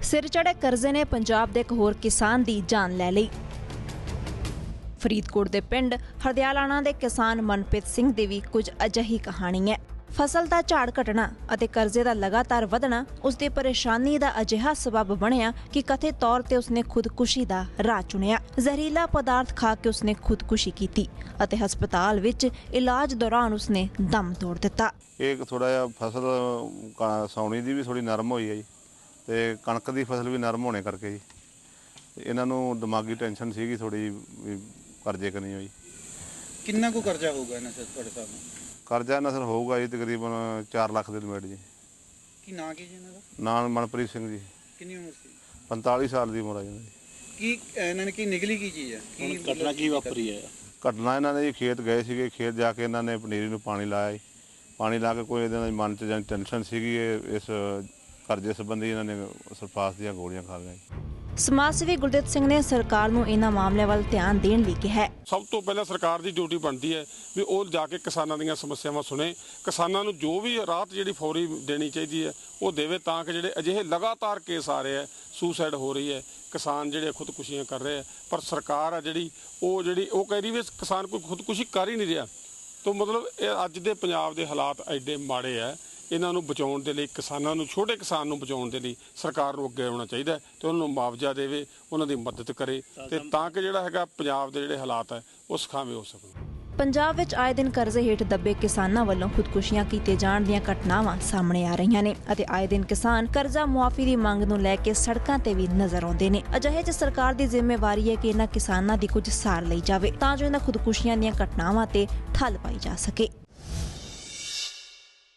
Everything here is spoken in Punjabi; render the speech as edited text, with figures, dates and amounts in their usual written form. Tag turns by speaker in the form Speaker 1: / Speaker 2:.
Speaker 1: सिर चढ़े कर्जे ने पंजाब दे एक होर किसान दी जान लै लई। फरीदकोट दे पिंड हरदयालाना दे किसान मनप्रीत सिंह दी भी कुछ अजिही कहानी है। फसल दा झाड़ घटना अते कर्जे दा लगातार वधना उसदी परेशानी दा अजिहा सबब बनिया कि कथित तौर ते उसने खुदकुशी दा राह चुनिया। जहरीला पदार्थ खा के उसने खुदकुशी की अते हस्पताल विच इलाज दौरान उसने दम तोड़ दिता।
Speaker 2: एक थोड़ा जिहा फसल सौनी दी भी थोड़ी नरम होई है जी ते कणक दी फसल भी नरम होने करके जी इन्हां नूं दिमागी टेंशन सीगी थोड़ी कर्जे करनी होई।
Speaker 3: किन्ना को कर्जा होगा इन्हां से तुहाडे साहब नाल?
Speaker 2: कर्जा इन्हां सर होऊगा जी तकरीबन 4 लाख ਦੇ ਲਿਮਟ जी।
Speaker 3: की नाम की जी इन्हां दा?
Speaker 2: नाम मनप्रीत सिंह जी।
Speaker 3: कितनी उम्र सी?
Speaker 2: 45 साल ਦੀ ਉਮਰ ਆ ਜੀ।
Speaker 3: की इन्हां ने की निकली की चीज़ है? की घटना की वापरी है?
Speaker 2: ਘਟਨਾ ਇਹਨਾਂ ਨੇ ਜੀ ਖੇਤ ਗਏ ਸੀਗੇ, ਖੇਤ ਜਾ ਕੇ ਇਹਨਾਂ ਨੇ ਪਨੀਰੀ ਨੂੰ ਪਾਣੀ ਲਾਇਆ ਜੀ। ਪਾਣੀ ਲਾ ਕੇ ਕੋਈ ਇਹਦੇ ਨਾਲ ਮਨ 'ਚ ਜਾਂ ਟੈਨਸ਼ਨ ਸੀਗੀ ਇਸ ਕਰਜ਼ੇ ਸੰਬੰਧੀ ਇਹਨਾਂ ਨੇ ਸਲਫਾਸ ਦੀਆਂ ਗੋਲੀਆਂ ਖਾ ਗਏ।
Speaker 1: समाज सेवी गुरदीप सिंह ने सरकार नूं इन्हां मामलिਆਂ ਵੱਲ ਧਿਆਨ ਦੇਣ ਲਈ ਕਿਹਾ ਹੈ।
Speaker 4: ਸਭ ਤੋਂ ਪਹਿਲਾਂ ਸਰਕਾਰ ਦੀ ਡਿਊਟੀ ਬਣਦੀ ਹੈ ਵੀ ਉਹ ਜਾ ਕੇ ਕਿਸਾਨਾਂ ਦੀਆਂ ਸਮੱਸਿਆਵਾਂ ਸੁਣੇ, ਕਿਸਾਨਾਂ ਨੂੰ ਜੋ ਵੀ ਰਾਹਤ ਜਿਹੜੀ ਫੌਰੀ ਦੇਣੀ ਚਾਹੀਦੀ ਹੈ ਉਹ ਦੇਵੇ ਤਾਂ ਕਿ ਜਿਹੜੇ ਅਜਿਹੇ ਲਗਾਤਾਰ ਕੇਸ ਆ ਰਹੇ ਹੈ, ਸੁਸਾਈਡ ਹੋ ਰਹੀ ਹੈ, ਕਿਸਾਨ ਜਿਹੜੇ ਖੁਦਕੁਸ਼ੀਆਂ ਕਰ ਰਹੇ ਹੈ, ਪਰ ਸਰਕਾਰ ਆ ਜਿਹੜੀ ਉਹ ਕਹਿ ਰਹੀ ਵੀ ਕਿਸਾਨ ਕੋਈ ਖੁਦਕੁਸ਼ੀ ਕਰ ਹੀ ਨਹੀਂ ਰਿਹਾ। ਤਾਂ ਮਤਲਬ ਇਹ ਅੱਜ ਦੇ ਪੰਜਾਬ ਦੇ ਹਾਲਾਤ ਐਡੇ ਮਾੜੇ ਹੈ। ਇਹਨਾਂ ਨੂੰ ਬਚਾਉਣ ਦੇ ਲਈ ਕਿਸਾਨਾਂ ਨੂੰ, ਛੋਟੇ ਕਿਸਾਨ ਨੂੰ ਬਚਾਉਣ ਦੇ ਲਈ ਸਰਕਾਰ ਨੂੰ ਅੱਗੇ ਆਉਣਾ ਚਾਹੀਦਾ ਤੇ ਉਹਨਾਂ ਨੂੰ ਮੁਆਵਜ਼ਾ ਦੇਵੇ, ਉਹਨਾਂ ਦੀ ਮਦਦ ਕਰੇ ਤੇ ਤਾਂ ਕਿ ਜਿਹੜਾ ਹੈਗਾ ਪੰਜਾਬ ਦੇ ਜਿਹੜੇ ਹਾਲਾਤ ਹੈ ਉਹ ਸੁਖਾਵੇਂ ਹੋ ਸਕਣ।
Speaker 1: ਪੰਜਾਬ ਵਿੱਚ ਆਏ ਦਿਨ ਕਰਜ਼ੇ ਹੇਠ ਦੱਬੇ ਕਿਸਾਨਾਂ ਵੱਲੋਂ ਖੁਦਕੁਸ਼ੀਆਂ ਕੀਤੇ ਜਾਣ ਦੀਆਂ ਘਟਨਾਵਾਂ ਸਾਹਮਣੇ ਆ ਰਹੀਆਂ ਨੇ ਅਤੇ ਆਏ ਦਿਨ ਕਿਸਾਨ ਕਰਜ਼ਾ ਮੁਆਫੀ ਦੀ ਮੰਗ ਨੂੰ ਲੈ ਕੇ ਸੜਕਾਂ ਤੇ ਵੀ ਨਜ਼ਰ ਆਉਂਦੇ ਨੇ। ਅਜਿਹੇ 'ਚ ਸਰਕਾਰ ਦੀ ਜ਼ਿੰਮੇਵਾਰੀ ਹੈ ਕਿ ਇਹਨਾਂ ਕਿਸਾਨਾਂ ਦੀ ਕੁਝ ਸਾਰ ਲਈ ਜਾਵੇ ਤਾਂ ਜੋ ਇਹਨਾਂ ਖੁਦਕੁਸ਼ੀਆਂ ਦੀਆਂ ਘਟਨਾਵਾਂ ਤੇ ਠੱਲ ਪਾਈ ਜਾ ਸਕੇ।